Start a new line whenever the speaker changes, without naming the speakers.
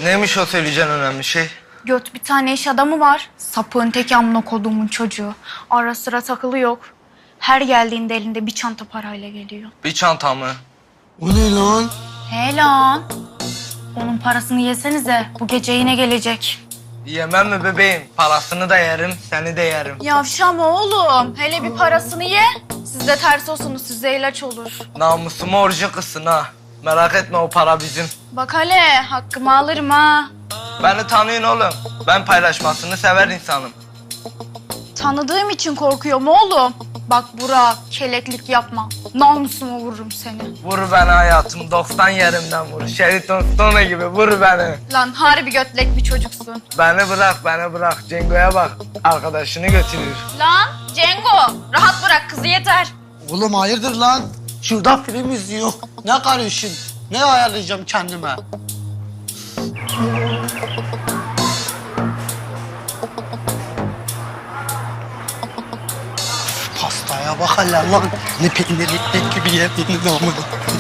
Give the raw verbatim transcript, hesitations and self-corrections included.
Neymiş o söyleyeceğin önemli şey?
Göt bir tane iş adamı var. Sapığın teki amına koduğumun çocuğu. Ara sıra takılı yok. Her geldiğinde elinde bir çanta parayla geliyor.
Bir çanta mı?
O ne lan?
He lan. Onun parasını yesenize. Bu gece yine gelecek.
Yemem mi bebeğim? Parasını da yerim, seni de yerim.
Yavşama oğlum. Hele bir parasını ye. Siz de ters olsunuz. Size ilaç olur.
Namusumu orucu kızsın ha. Merak etme, o para bizim.
Bak hele hakkımı alırım ha.
Beni tanıyın oğlum. Ben paylaşmasını sever insanım.
Tanıdığım için korkuyorum oğlum. Bak Burak, keleklik yapma. Namusuma vururum seni.
Vur beni hayatım, doksan yerimden vur. Şeriton Stone gibi vur beni.
Lan harbi götlek bir çocuksun.
Beni bırak, beni bırak. Cengo'ya bak. Arkadaşını götürür.
Lan Cengo, rahat bırak kızı yeter.
Oğlum hayırdır lan? Şurada film izliyor. Ne karışın? Ne ayarlayacağım kendime? Pastaya bak hele lan. Ne peynirli ekmek gibi yediğiniz amına.